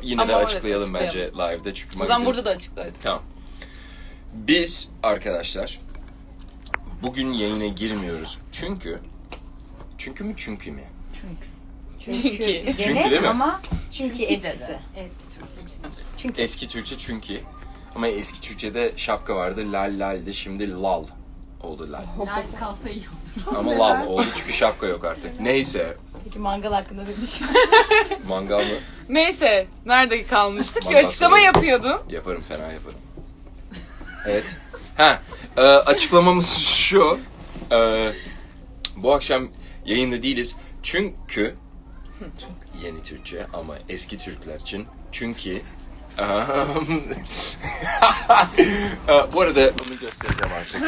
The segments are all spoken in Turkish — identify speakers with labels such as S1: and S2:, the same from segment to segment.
S1: yine
S2: Ama
S1: de
S2: evet,
S1: açıklayalım bence live'da çünkü
S2: O zaman burada da açıklayalım.
S1: Tamam. Biz arkadaşlar bugün yayına girmiyoruz. Çünkü mü?
S2: Çünkü
S1: Çünkü değil mi?
S3: Ama çünkü eskisi.
S1: Eski Türkçe çünkü. Ama eski Türkçe'de şapka vardı. Lal lal de şimdi lal oldu lal.
S4: Lal kalsa iyi olur.
S1: Ama lal oldu çünkü şapka yok artık. Neyse.
S3: Peki mangal hakkında ne düşünüyorsun?
S1: Mangal mı?
S2: Neyse, nerede kalmıştık? Bir
S1: Mangal
S2: açıklama
S1: söyle.
S2: yapıyordun.
S1: Yaparım, fena yaparım. Evet. Açıklamamız şu. Bu akşam yayında değiliz. Çünkü yeni Türkçe ama eski Türkler için. Çünkü bu arada onu göstereceğim artık.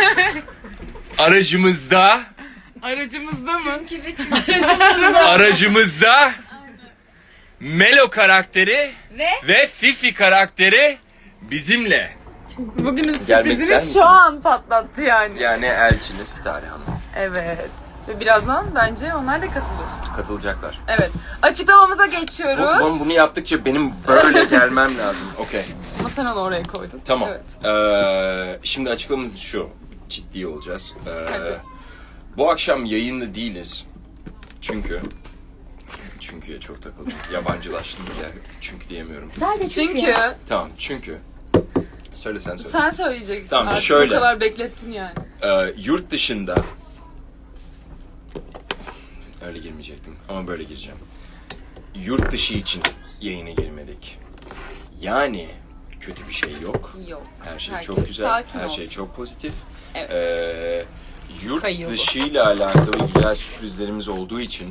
S1: Aracımızda
S2: Mı?
S1: aracımızda Melo karakteri ve Fifi karakteri bizimle.
S2: Bugünün
S1: Gelmek ister
S2: sürprizini
S1: misiniz?
S2: şu an patlattı yani.
S1: Yani elçiniz Tarih Hanım.
S2: Evet. Ve birazdan bence onlar da katılır.
S1: Katılacaklar.
S2: Evet. Açıklamamıza geçiyoruz.
S1: Bunu yaptıkça benim böyle gelmem lazım. Okey.
S2: Ama sen onu oraya koydun.
S1: Tamam.
S2: Evet.
S1: Şimdi açıklamamız şu. Ciddi olacağız.
S2: Hadi.
S1: Bu akşam yayında değiliz. Çünkü'ye çok takıldım. Yabancılaştım ya. Çünkü diyemiyorum.
S3: Sadece
S2: Çünkü
S1: Tamam çünkü. Söyle sen söyle.
S2: sen söyleyeceksin.
S1: Tamam,
S2: Artık
S1: şöyle.
S2: O kadar beklettin yani.
S1: Yurt dışında öyle girmeyecektim ama böyle gireceğim. Yurt dışı için yayına girmedik. Yani kötü bir şey yok.
S2: Yok.
S1: Her şey
S2: Herkes
S1: çok güzel.
S2: sakin
S1: Her şey
S2: olsun.
S1: çok pozitif.
S2: Evet.
S1: Yurt
S2: Kayıyor bu.
S1: dışıyla alakalı güzel sürprizlerimiz olduğu için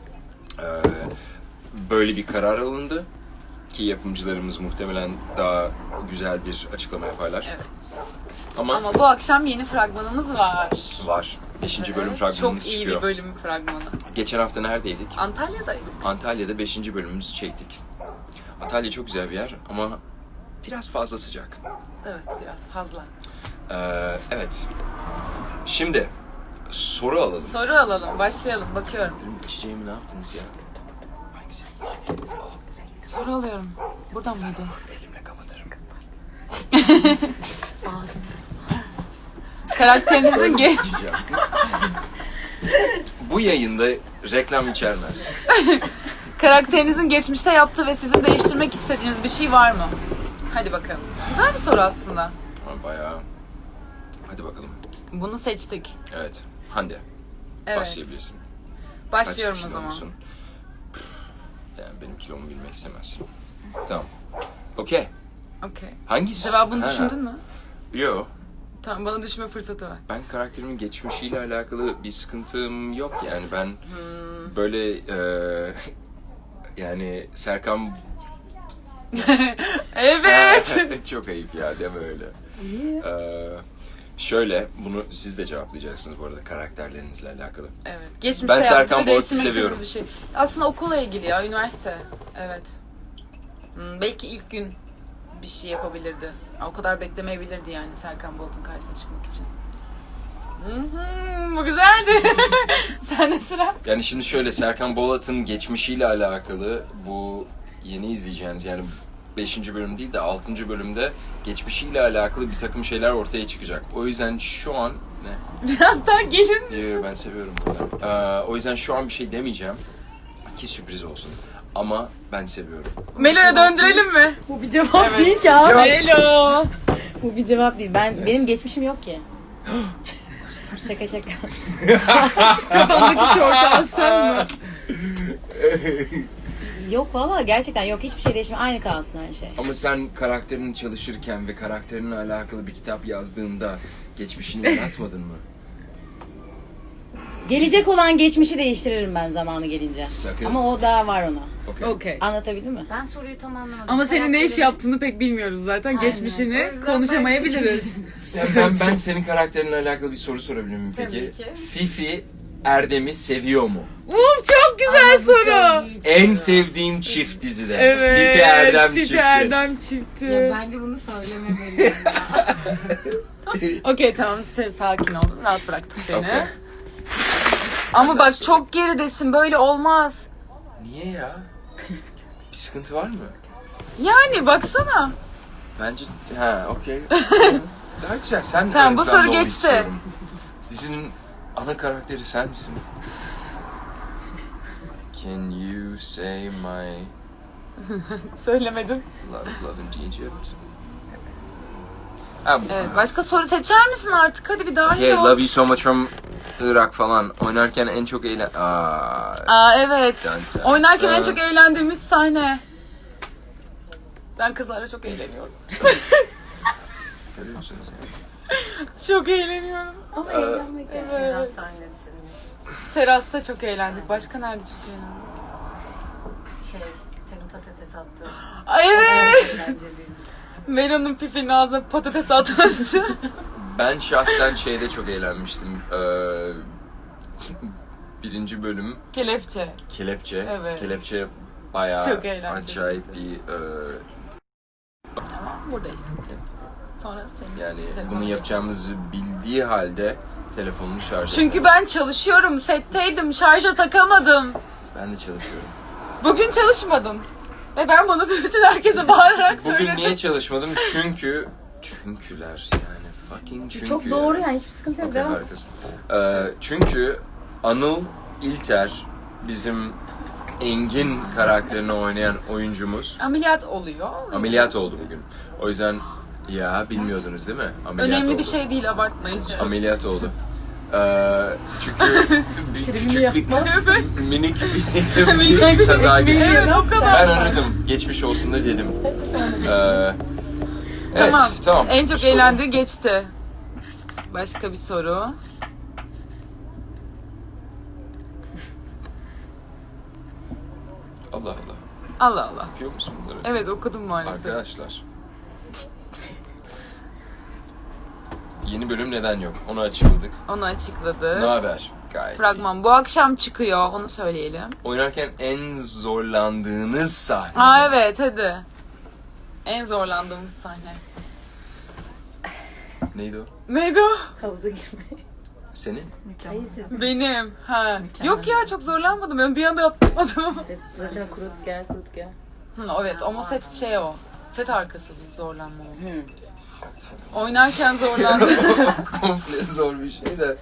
S1: böyle bir karar alındı. Ki yapımcılarımız muhtemelen daha güzel bir açıklama yaparlar.
S2: Evet.
S1: Ama
S2: bu akşam yeni fragmanımız var.
S1: var. 5. bölüm
S2: Evet,
S1: fragmanımız
S2: çok iyi
S1: çıkıyor.
S2: bir bölüm fragmanı.
S1: Geçen hafta neredeydik?
S2: Antalya'daydık.
S1: Antalya'da 5. bölümümüzü çektik. Antalya çok güzel bir yer ama biraz fazla sıcak.
S2: Evet, biraz fazla.
S1: Evet. Şimdi soru alalım.
S2: Soru alalım, başlayalım. Bakıyorum.
S1: Benim içeceğimi ne yaptınız ya? Hangisi?
S2: Soru alıyorum. Buradan mıydı?
S1: Elimle kapatırım.
S2: Karakterinizin
S1: İçeceğim. Bu yayında reklam içermez.
S2: Karakterinizin geçmişte yaptığı ve sizin değiştirmek istediğiniz bir şey var mı? Hadi bakalım. Güzel bir soru aslında.
S1: Ama bayağı... Hadi bakalım.
S2: Bunu seçtik.
S1: Evet. Hande.
S2: Evet.
S1: Başlayabilirsin.
S2: Başlıyorum
S1: Kaç
S2: o zaman.
S1: kilomusun? Yani benim kilomu bilmek istemez. Tamam. Okey.
S2: Okey.
S1: Hangisi?
S2: Cevabını
S1: Ha.
S2: düşündün mü?
S1: Yo.
S2: Tamam, bana düşünme fırsatı ver.
S1: Ben karakterimin geçmişiyle alakalı bir sıkıntım yok yani ben böyle yani Serkan
S2: Evet.
S1: çok ayıp ya deme öyle. Şöyle bunu siz de cevaplayacaksınız bu arada karakterlerinizle alakalı.
S2: Evet. Geçmişte
S1: Ben
S2: yaptığı
S1: Serkan
S2: ve
S1: Boğaz'ı
S2: değiştirmek
S1: seviyorum.
S2: istediğiniz bir şey. Aslında okulla ilgili ya, üniversite. Evet. Belki ilk gün bir şey yapabilirdi. O kadar beklemeyebilirdi yani Serkan Bolt'un karşısına çıkmak için. Bu güzeldi. Sen de sıra.
S1: Yani şimdi şöyle Serkan Bolat'ın geçmişiyle alakalı bu yeni izleyeceğiniz yani 5. bölüm değil de 6. bölümde geçmişiyle alakalı bir takım şeyler ortaya çıkacak. O yüzden şu an ne?
S2: Biraz daha gelir mi?
S1: Yo, ben seviyorum bunu. O yüzden şu an bir şey demeyeceğim ki sürpriz olsun. Ama ben seviyorum.
S2: Melo'ya döndürelim mi?
S3: Bu bir cevap değil ki abi.
S2: Melo.
S3: Bu bir cevap değil. Benim geçmişim yok ki. Şaka şaka.
S2: Kafandaki şortu sen mi?
S3: Yok valla gerçekten yok. Hiçbir şey değişmiyor. Aynı kalsın her şey.
S1: Ama sen karakterini çalışırken ve karakterinle alakalı bir kitap yazdığında geçmişini yaratmadın mı?
S3: Gelecek olan geçmişi değiştiririm ben zamanı gelince.
S1: Sakın.
S3: Ama o daha var ona.
S1: Okey.
S2: Okey.
S3: Anlatabildim mi?
S4: Ben soruyu tam anlamadım.
S2: Ama senin ne iş
S4: Karakterin-
S2: yaptığını pek bilmiyoruz zaten.
S4: Aynen.
S2: Geçmişini
S4: O yüzden
S2: konuşamayabiliriz.
S1: Ya ben senin karakterinle alakalı bir soru sorabilir miyim peki?
S4: Tabii ki.
S1: Fifi Erdem'i seviyor mu?
S2: Çok güzel soru.
S1: En sevdiğim çift dizide.
S2: Evet.
S1: Fifi Erdem
S2: Fifi
S1: çifti.
S2: Erdem çifti.
S4: Ya bence bunu söylememeliyim ya.
S2: Okey tamam, sen sakin ol. Rahat bıraktık seni.
S1: Okey.
S2: Ama bak
S1: Senden
S2: çok geridesin, böyle olmaz.
S1: Niye ya? Bir sıkıntı var mı?
S2: Yani baksana.
S1: Bence okey. Daha güzel. Sen
S2: Tamam, bu
S1: ön
S2: soru
S1: planda ol
S2: geçti.
S1: istiyorum. Dizinin ana karakteri sensin. Can you say my
S2: Söylemedim.
S1: love in Egypt? Ha,
S2: Evet, başka soru seçer misin artık? Hadi bir dahil
S1: Okay,
S2: ol.
S1: love you so much from Irak falan. Oynarken en çok
S2: Aa evet.
S1: Dun dun
S2: Oynarken en
S1: dun.
S2: çok eğlendiğimiz sahne. Ben kızlarla çok eğleniyorum.
S1: Görüyorsunuz yani.
S2: Çok eğleniyorum.
S3: Ama eğlenmek yani.
S2: Evet.
S4: sahnesi.
S2: Terasta çok eğlendik. Başka nerede çok eğlendik?
S4: Senin patates attığın.
S2: Ay evet.
S4: Eğlenceliydi.
S2: Melo'nun pipinin ağzına patates atması.
S1: Ben şahsen şeyde çok eğlenmiştim. Birinci bölüm
S2: Kelepçe.
S1: Kelepçe.
S2: Evet.
S1: Kelepçe bayağı
S2: Çok eğlenceli.
S1: acayip bir
S2: Ama buradayız. Sonra senin
S1: yani
S2: telefonuna
S1: bunu yapacağımızı bildiği halde telefonunu şarj
S2: Çünkü
S1: etmedi.
S2: ben çalışıyorum, setteydim, şarja takamadım.
S1: Ben de çalışıyorum.
S2: Bugün çalışmadın. Ve ben bunu bütün herkese bağırarak söyledim.
S1: Bugün niye çalışmadım? Çünküler yani fucking çünkü.
S3: Çok doğru yani hiçbir sıkıntı yok.
S1: Okey,
S3: Devam.
S1: harikasın. Çünkü Anıl İlter bizim Engin karakterini oynayan oyuncumuz
S2: Ameliyat oluyor.
S1: ameliyat oldu bugün. O yüzden bilmiyordunuz değil mi? Ameliyat
S2: Önemli
S1: oldu.
S2: bir şey değil, abartmayın.
S1: Ameliyat oldu. Çünkü küçük bir minik bir kaza geçirdi.
S2: Evet, o kadar.
S1: Ben aradım. Geçmiş olsun da dedim. Evet, tamam.
S2: En çok
S1: Soru.
S2: eğlendiği geçti. Başka bir soru.
S1: Allah Allah.
S2: Allah Allah.
S1: Yapıyor musun bunları?
S2: Evet, okudum maalesef.
S1: Arkadaşlar. Yeni bölüm neden yok? Onu açıkladık.
S2: Onu
S1: Ne
S2: açıkladı.
S1: haber? Gayet iyi.
S2: Fragman bu akşam çıkıyor. Onu söyleyelim.
S1: Oynarken en zorlandığınız sahne.
S2: Aa evet, hadi. En zorlandığımız sahne.
S1: Neydi o?
S2: Neydi o?
S3: Havuza girme.
S1: Senin?
S3: Hayır siz.
S2: Benim. Ha. Yok ya, çok zorlanmadım. Ben bir anda atladım.
S3: Zaten kurut gel.
S2: Hı, evet, ama set o. Set arkası zorlanma o. Oynarken zorlandım.
S1: Komple zor bir şey de.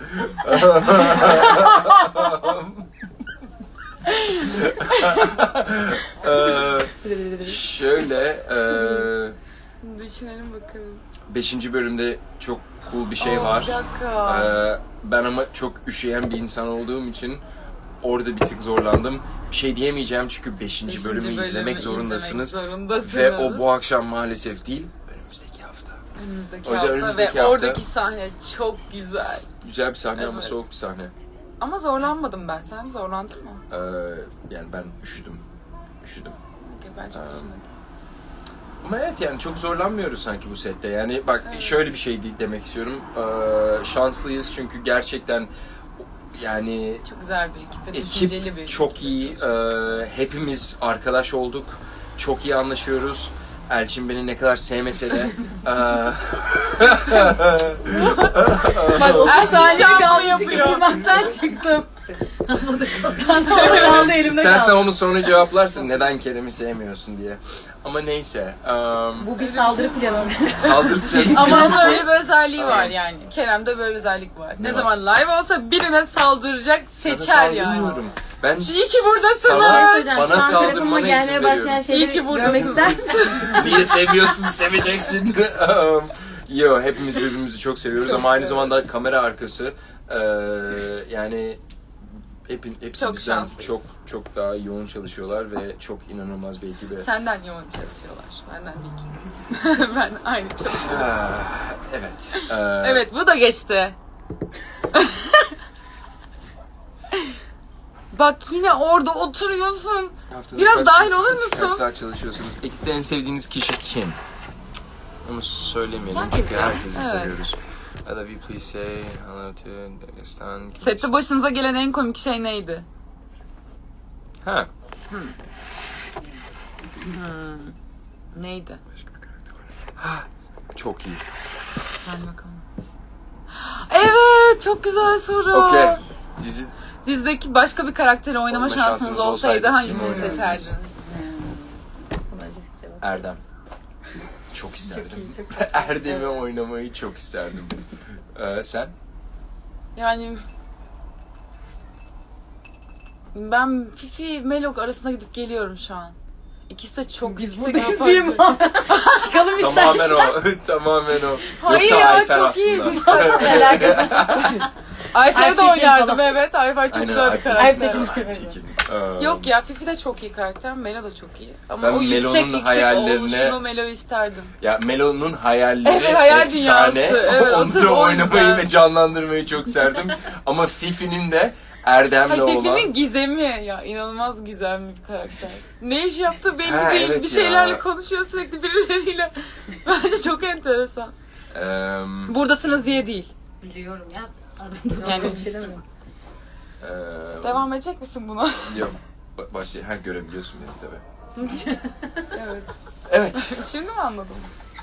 S1: Şöyle
S2: Düşünelim bakalım.
S1: 5. bölümde çok cool bir şey var.
S2: Bir dakika.
S1: Ben ama çok üşüyen bir insan olduğum için orada bir tık zorlandım. Bir şey diyemeyeceğim çünkü 5. bölümü izlemek zorundasınız. Ve o bu akşam maalesef değil, önümüzdeki hafta.
S2: Önümüzdeki
S1: O yüzden
S2: hafta
S1: önümüzdeki
S2: ve
S1: hafta-
S2: oradaki sahne çok güzel.
S1: Güzel bir sahne ama
S2: Evet.
S1: soğuk bir sahne.
S2: Ama zorlanmadım ben. Sen zorlandın mı?
S1: Yani ben üşüdüm.
S2: Okey, ben çok üzülmedim.
S1: Ama evet yani çok zorlanmıyoruz sanki bu sette. Yani bak şöyle bir şey demek istiyorum. Şanslıyız çünkü gerçekten yani
S2: Çok güzel bir ekip ve düşünceli bir
S1: ekip çok iyi.
S2: ekip.
S1: Hepimiz arkadaş olduk. Çok iyi anlaşıyoruz. Elçin beni ne kadar sevmese de
S3: Bak 30
S2: Ersin
S3: saniye
S2: şampu
S3: kalmıştı
S2: yapıyor.
S3: kıpırmaktan çıktım. Ben kaldı elimde
S1: İstersen
S3: kaldı.
S1: onu sonra cevaplarsın neden Kerem'i sevmiyorsun diye. Ama neyse.
S3: Bu bir saldırı planı.
S1: Saldırı planı.
S2: Ama onun öyle bir özelliği var yani. Kerem'de böyle bir özellik var. Ne
S1: var?
S2: zaman live olsa birine saldıracak,
S1: Sana
S2: seçer yani.
S1: saldırmıyorum. Ben
S2: İyi ki buradasınız.
S1: sana- bana
S3: Şu an telefonuma
S1: saldırmana izin
S3: gelmeye başlayan
S1: veriyorum.
S2: İyi ki
S3: şeyleri
S2: buradasın.
S3: görmek ister misin?
S1: Niye seviyorsun, seveceksin. Yo, hepimiz birbirimizi çok seviyoruz
S2: Çok
S1: ama aynı
S2: evet.
S1: zamanda kamera arkası yani hepsi
S2: Çok
S1: bizden
S2: şanslıyız.
S1: çok daha yoğun çalışıyorlar ve çok inanılmaz bir ekibe.
S2: Senden yoğun çalışıyorlar. Benden değil. Ben aynı çalışıyorum.
S1: Evet.
S2: Evet, bu da geçti. Bak yine orada oturuyorsun.
S1: Haftada
S2: Biraz dahil olur
S1: kaç
S2: musun?
S1: saat çalışıyorsunuz? Ekipte en sevdiğiniz kişi kim? Onu söylemeyelim
S3: Herkes
S1: çünkü
S3: ya.
S1: herkesi
S2: Evet.
S1: seviyoruz. I love you, please say hello to Dagestan.
S2: Sette başınıza gelen en komik şey neydi?
S1: Ha.
S2: Neydi?
S1: Çok iyi.
S2: Gel bakalım. Evet, çok güzel soru.
S1: Okey. Dizi
S2: Dizdeki başka bir karakteri oynama
S1: Oynama
S2: şansınız
S1: şansınız
S2: olsaydı
S1: olsaydı
S2: hangisini
S1: kimi oynardınız?
S2: seçerdiniz?
S3: Buna acısı cevap.
S1: Erdem. Çok isterdim.
S3: Çok iyi, çok
S1: Erdem'i oynamayı çok isterdim. Sen?
S2: Yani ben Fifi Melok arasında gidip geliyorum şu an. İkisi de çok
S3: Biz
S2: yüksek
S3: buradayız
S2: yapar.
S3: diye mi? Çıkalım istersen.
S1: Tamamen o. Tamamen o.
S2: Hayır
S1: Yoksa
S2: ya,
S1: Ayfer
S2: çok
S1: aslında.
S3: Alakası.
S2: Ayfer'e de
S3: Ayfer
S2: oynardım
S3: falan.
S2: evet. Ayfer çok
S1: Aynen,
S2: güzel bir
S1: Ayfer.
S2: karakter.
S3: Ayfer.
S1: Tekin.
S2: Yok ya Fifi de çok iyi karakter. Melo da çok iyi. Ama
S1: Ben
S2: o yüksek
S1: Melo'nun hayallerine-
S2: oluşunu Melo'yu isterdim.
S1: Ya Melo'nun hayalleri
S2: Evet, hayal
S1: efsane.
S2: dünyası. Evet,
S1: Onu
S2: asıl
S1: da
S2: o
S1: oynamayı
S2: yüzden.
S1: ve canlandırmayı çok serdim. Ama Fifi'nin de Erdem'le
S2: Hayır
S1: olan...
S2: Fifi'nin gizemi ya inanılmaz gizemli bir karakter. Ne iş yaptığı belli
S1: Ha,
S2: değil.
S1: evet
S2: Bir şeylerle
S1: ya.
S2: konuşuyor sürekli birileriyle. Bence çok enteresan. Buradasınız diye değil.
S3: Biliyorum ya.
S2: Yani
S3: Bir şey demedim.
S2: devam edecek misin buna?
S1: Yok. Başlayalım. Ha, görebiliyorsun beni tabii.
S2: Evet.
S1: Evet.
S2: Şimdi mi anladın?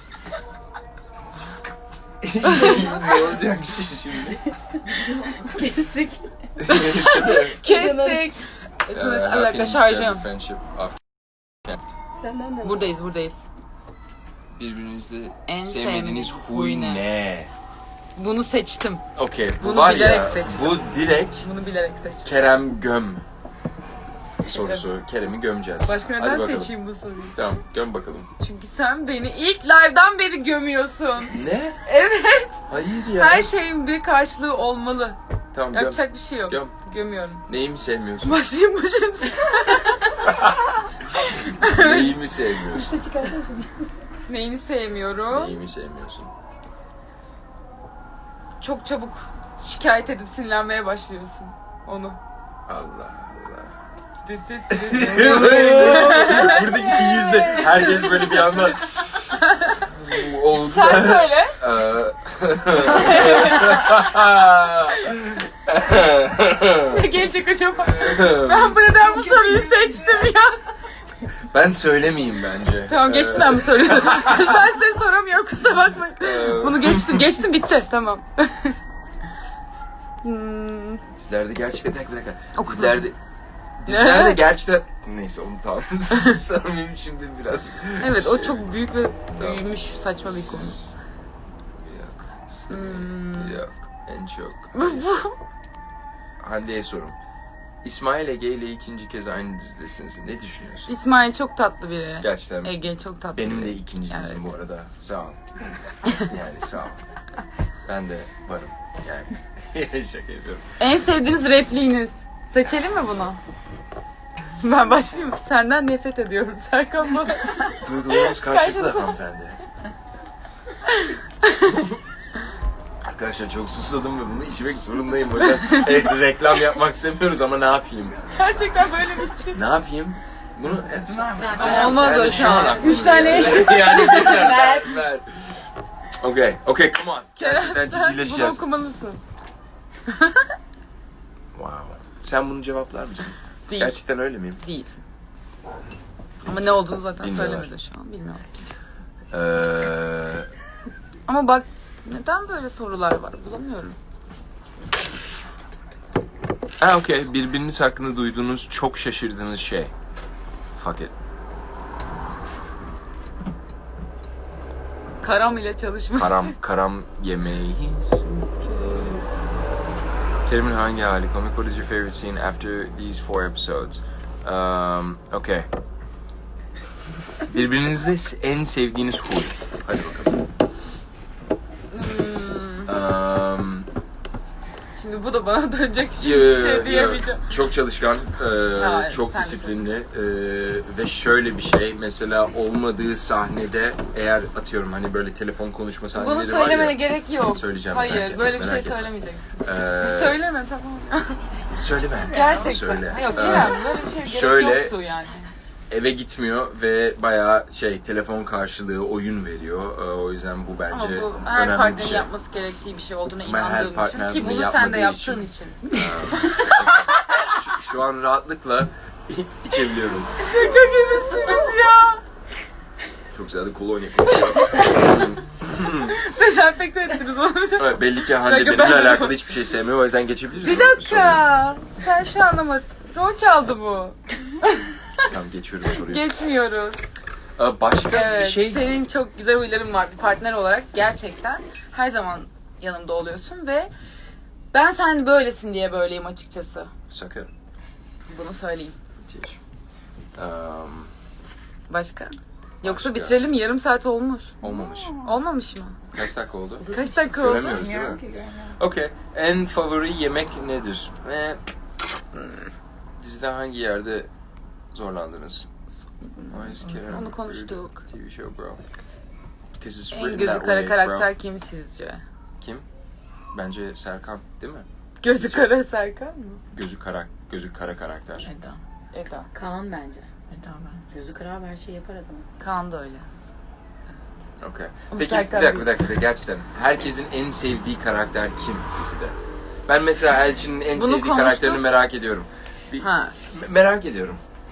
S1: Ne olacak şimdi?
S3: Kestik.
S2: Kestik. Mesela bir dakika şarjım.
S1: Friendship of
S3: Senden de.
S2: Buradayız.
S1: Birbirinizde
S2: En
S1: sevmediğiniz
S2: sevmediğiniz
S1: huy
S2: huy ne?
S1: ne?
S2: Bunu seçtim.
S1: Okey, bu
S2: Bunu
S1: var
S2: bilerek
S1: ya,
S2: seçtim.
S1: bu direkt
S2: Bunu bilerek seçtim.
S1: Kerem göm sorusu. Kerem'i gömeceğiz.
S2: Başka
S1: Hadi
S2: neden
S1: bakalım.
S2: seçeyim bu soruyu?
S1: Tamam, göm bakalım.
S2: Çünkü sen beni ilk live'dan beri gömüyorsun.
S1: Ne?
S2: Evet.
S1: Hayır ya.
S2: Her şeyin bir karşılığı olmalı.
S1: Tamam, göm.
S2: Yapacak bir şey yok.
S1: Göm.
S2: Gömüyorum.
S1: Neyimi sevmiyorsun?
S2: Başlayayım.
S1: Neyimi sevmiyorsun?
S3: İşte çıkarsana şimdi.
S2: Neyini sevmiyorum?
S1: Neyimi sevmiyorsun?
S2: Çok çabuk şikayet edip sinirlenmeye başlıyorsun. Onu.
S1: Allah Allah.
S2: Düt düt düt.
S1: Buradaki yüzde herkes böyle bir anda oldu.
S2: Sen söyle. Ne gelecek acaba? Ben bu neden bu soruyu seçtim ya?
S1: Ben söylemeyeyim bence.
S2: Tamam geçtim ben bu soruyu. Kızlar size soramıyor kusura bakmayın. Bunu geçtim bitti tamam.
S1: Dizilerde gerçekten bir dakika.
S2: Okudum.
S1: Dizilerde gerçekten neyse onu tamam. Sarmayayım şimdi biraz.
S2: Evet o çok büyük ve büyümüş saçma bir konu.
S1: Yok. Yok. En çok. Hande'ye sorum. İsmail Ege ile ikinci kez aynı dizidesiniz. Ne düşünüyorsun?
S2: İsmail çok tatlı biri.
S1: Gerçekten
S2: Ege çok tatlı
S1: benim
S2: biri.
S1: de ikinci dizim bu arada. Sağ ol. Yani sağ ol. Ben de varım. Yani şaka yapıyorum.
S2: En sevdiğiniz repliğiniz. Seçelim mi bunu? Ben başlayayım mı? Senden nefret ediyorum Serkan bana.
S1: Duygularınız karşılıklı hanımefendi. Arkadaşlar çok susadım ve bunu içmek zorundayım hocam. Evet, reklam yapmak istemiyoruz ama ne yapayım?
S2: Gerçekten böyle bir şey.
S1: Ne yapayım? Bunu evet.
S2: Ama olmaz
S1: Yani
S2: o şu an.
S1: aklıma
S3: 3 tane.
S1: geliyor. Yani
S3: Ver.
S1: ver. Okay, come on. Gerçekten
S2: Kerem sen bunu
S1: ciddileşeceğiz.
S2: okumalısın.
S1: Wow. Sen bunu cevaplar mısın?
S2: Değil.
S1: Gerçekten öyle miyim?
S2: Değilsin. Ama ne olduğunu zaten
S1: Bilmiyorlar.
S2: söylemedi şu an. Bilmiyorum.
S1: Ee,
S2: Ama bak neden böyle sorular var bulamıyorum.
S1: okay. Birbiriniz hakkında duyduğunuz çok şaşırdığınız şey. Fuck it.
S2: Karam ile çalışma.
S1: Karam yemeği. Kerim'in hangi hali? Comic, what is your favorite scene after these 4 episodes? Okay. Birbirinizde en sevdiğiniz huy. Hadi bakalım.
S2: Şimdi bu da bana dönecek şimdi bir şey diyemeyeceğim.
S1: Çok çalışkan,
S2: Ha,
S1: çok
S2: sen de
S1: disiplinli ve şöyle bir şey, mesela olmadığı sahnede eğer atıyorum hani böyle telefon konuşma sahneleri
S2: Bunu
S1: var
S2: söylemene
S1: ya.
S2: gerek yok.
S1: Söyleyeceğim,
S2: Hayır
S1: merak etme,
S2: böyle bir şey
S1: merak etme.
S2: söylemeyeceksin. Söyleme tamam.
S1: Söyleme.
S2: Gerçekten.
S1: Söyle.
S2: Yok Kerem böyle bir şey gerek
S1: şöyle-
S2: yoktu yani.
S1: Eve gitmiyor ve bayağı telefon karşılığı oyun veriyor. O yüzden bu bence
S2: Ama bu her
S1: önemli bir
S2: partnerin
S1: şey.
S2: yapması gerektiği bir şey olduğuna
S1: Ben her
S2: inandığım için
S1: partner
S2: ki
S1: bunu
S2: bunu sen de
S1: yapmadığı
S2: yaptığın için.
S1: Şu an rahatlıkla içebiliyorum.
S2: Şaka gibisiniz ya.
S1: Çok güzel de kolonya kokuyor.
S2: Dezenfekte ettiniz onu.
S1: Evet, belli ki Hande
S2: dakika,
S1: benimle
S2: ben-
S1: alakalı hiçbir şey sevmiyor. O yüzden geçebiliriz.
S2: Bir
S1: mi?
S2: dakika. Sen şu an ama rol çaldı bu.
S1: Soruyu. Tamam, geçiyorum soruyu.
S2: Geçmiyoruz.
S1: Başka bir
S2: Evet,
S1: şey...
S2: senin çok güzel huyların var bir partner olarak. Gerçekten her zaman yanımda oluyorsun ve ben sen böylesin diye böyleyim açıkçası.
S1: Sakın.
S2: Bunu söyleyeyim.
S1: Müthiş.
S2: Başka? Yoksa
S1: Başka.
S2: bitirelim, yarım saat olmuş.
S1: Olmamış.
S2: Olmamış mı?
S1: Kaç dakika oldu?
S2: Kaç dakika oldu?
S1: Göremiyoruz değil mi? Okey. En favori yemek nedir? Dizide hangi yerde zorlandınız?
S2: Onu konuştuk.
S1: TV show bro. Because it's
S2: En
S1: written
S2: gözü
S1: that
S2: kara
S1: way,
S2: karakter
S1: bro.
S2: kim sizce?
S1: Kim? Bence Serkan değil mi?
S2: Gözü kara Serkan mı?
S1: Gözü kara karakter.
S2: Eda.
S3: Kaan bence. Gözü kırar her şeyi yapar adam.
S2: Kaan da öyle.
S1: Okay.
S2: Ama
S1: Peki
S2: Serkan
S1: bir dakika gerçekten herkesin en sevdiği karakter kim dizide? Ben mesela Elçin'in en
S2: Bunu
S1: sevdiği
S2: konuştuk.
S1: karakterini merak ediyorum.
S2: Ha.
S1: Merak ediyorum.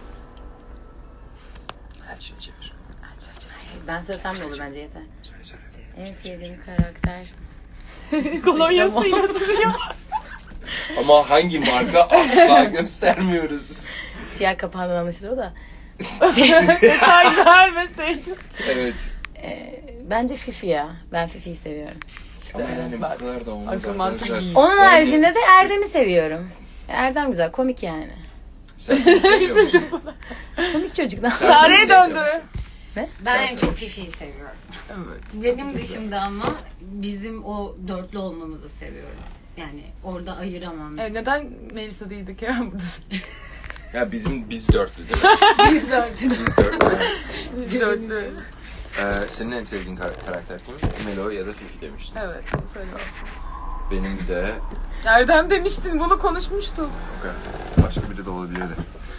S1: Elçin'i çevir.
S3: Ben söylesem de olur bence yeter.
S1: Söyle.
S3: En sevdiğim karakter.
S2: Kolonyasıyla duruyor.
S1: Ama hangi marka asla göstermiyoruz.
S3: Siyah kapağından anlaşılır o da.
S2: Detay vermeseydin.
S1: Evet.
S3: Bence Fifi ya. Ben Fifi'yi seviyorum.
S1: Ama yani bu kadar da olmaz
S2: Akıl mantık
S1: arkadaşlar.
S2: iyi.
S3: Onun haricinde de Erdem'i seviyorum. Erdem güzel, komik yani.
S1: Sen kimi seviyor musun?
S3: Komik çocuk. Ne?
S1: Sen
S2: Sare'ye
S1: kimi seviyor
S2: döndü.
S1: musun?
S4: Ben en çok Fifi'yi seviyorum.
S1: Evet.
S4: Benim dışımda ama bizim o dörtlü olmamızı seviyorum. Yani orada ayıramam.
S2: Evet, neden Melisa değildik ya burada?
S1: Ya biz dörtlü değil mi?
S2: Biz döndü.
S1: Biz dörtlü. Evet.
S2: Biz döndü.
S1: Senin en sevdiğin karakter kim? Melo ya da Fifi demiştin.
S2: Evet, onu söylemiştim.
S1: Benim de
S2: Erdem demiştin, bunu konuşmuştuk.
S1: okay. Başka biri de olabilirdi.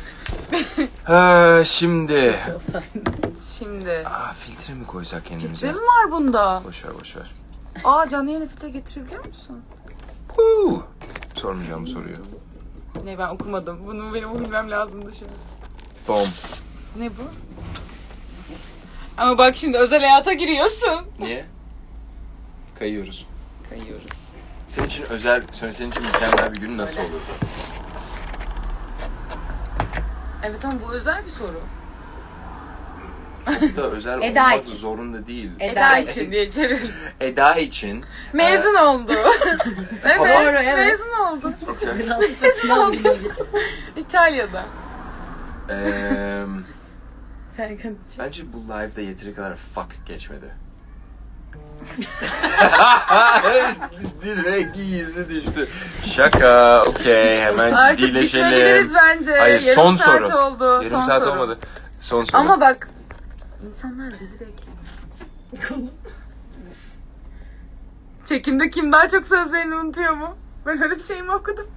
S1: Şimdi
S2: Şimdi.
S1: filtre mi koysak kendimize?
S2: Filtre mi var bunda?
S1: Boş ver.
S2: Canlı yayına filtre getirebiliyor musun?
S1: Sormayacağım bu soruyu.
S2: Ne, ben okumadım. Bunu benim bilmem lazımdı şu an.
S1: Bom.
S2: Ne bu? Ama bak şimdi özel hayata giriyorsun.
S1: Niye? Kayıyoruz.
S2: Kayıyoruz.
S1: Senin için mükemmel bir gün nasıl olur?
S2: Evet ama bu özel bir soru.
S1: Çok da özel
S3: Eda
S1: olmak
S3: için.
S1: zorunda değil.
S2: Eda için diye çevirelim.
S1: Eda için.
S2: Mezun oldu. Evet,
S3: Doğru, evet.
S2: mezun oldu.
S1: Okay.
S2: Mezun oldu. İtalya'da.
S3: Serkan.
S1: Bence bu live'da yeteri kadar fuck geçmedi. Direkt yüzü düştü. Şaka. Okey. Hemen
S2: Artık
S1: ciddileşelim.
S2: bitirebiliriz bence.
S1: Hayır,
S2: Yarım
S1: son
S2: saat
S1: soru.
S2: oldu.
S1: Yarım
S2: son
S1: saat
S2: soru.
S1: olmadı. Son soru.
S2: Ama bak. İnsanlar bizi bekliyor. Çekimde kim daha çok sözlerini unutuyor mu? Ben öyle bir şey mi okudum?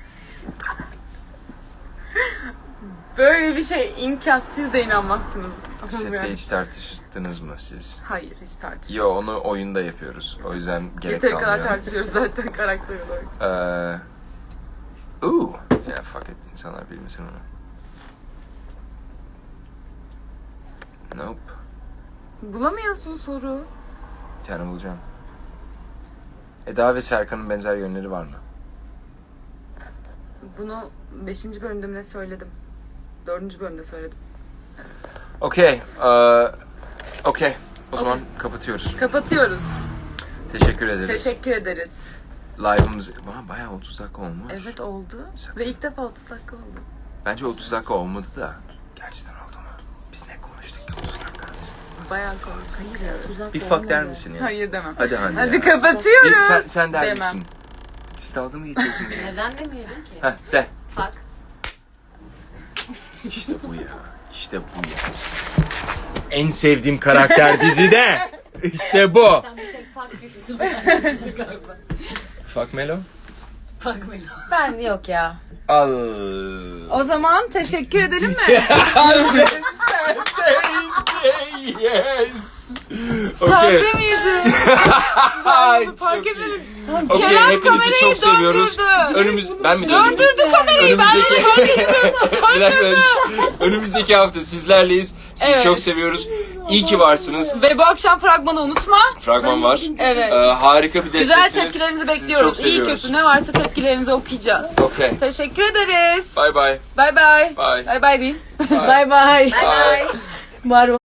S2: Böyle bir şey imkansız. Siz de inanmazsınız.
S1: Sette
S2: Yani.
S1: hiç tartıştınız mı siz?
S2: Hayır, hiç tartışmıyoruz.
S1: Yo, onu oyunda yapıyoruz. O yüzden gerek
S2: Yeteri kadar
S1: kalmıyor.
S2: tartışıyoruz zaten karakter olarak.
S1: Ya fuck it. İnsanlar bilmesin onu. Nope.
S2: Bulamıyorsun soru.
S1: Bir tane bulacağım. Eda ve Serkan'ın benzer yönleri var mı?
S2: Bunu 5. bölümde mi ne söyledim? 4. bölümde söyledim.
S1: Okey. Okey. O zaman kapatıyoruz.
S2: Kapatıyoruz.
S1: Teşekkür ederiz.
S2: Teşekkür ederiz.
S1: Live'ımız bayağı 30 dakika olmuş.
S2: Evet oldu.
S1: Şaka.
S2: Ve ilk defa 30 dakika oldu.
S1: Bence 30 dakika olmadı da. Gerçekten oldu mu? Biz ne konuştuk ki 30 dakika?
S2: Bayağı sonuçta.
S3: Hayır ya. Tuzak
S1: Bir fuck der misin ya?
S2: Hayır demem.
S1: Hadi Hande
S2: Hadi
S1: ya.
S2: kapatıyoruz.
S1: Sen der
S2: Demem.
S1: misin? Siz dalga mı geçiyorsunuz?
S4: Neden demeyelim ki?
S1: Heh, de.
S4: Bak.
S1: İşte bu ya. İşte bu ya. En sevdiğim karakter dizide. İşte bu.
S4: Sen bir tek fark köşesi galiba.
S1: Fuck Melo.
S4: Bak böyle.
S3: Ben yok ya.
S1: Al.
S2: O zaman teşekkür edelim mi?
S1: Yes.
S2: Sahte
S1: Okay.
S2: miydi?
S1: Ay,
S2: Bunu fark
S1: çok iyi.
S2: etmedim.
S1: Okay,
S2: Kerem
S1: hepinizi
S2: kamerayı
S1: çok seviyoruz.
S2: döndürdü.
S1: Ben mi döndürdüm?
S2: Döndürdü kamerayı. Ben bunu fark ettim.
S1: Bir dakika. Önümüzdeki hafta sizlerleyiz. Sizi
S2: Evet.
S1: çok seviyoruz. İyi ki varsınız.
S2: Ve bu akşam fragmanı unutma.
S1: Fragman var.
S2: Evet.
S1: Harika bir
S2: Güzel
S1: desteksiniz.
S2: tepkilerinizi
S1: Sizi
S2: bekliyoruz.
S1: çok
S2: İyi
S1: seviyoruz.
S2: kötü ne varsa tepkilerinizi okuyacağız.
S1: Okay.
S2: Teşekkür ederiz.
S1: Bye bye.
S2: Bye bye.
S1: Bye.
S2: Bye bye deyin.
S3: Bye bye.
S1: Bye.
S3: Var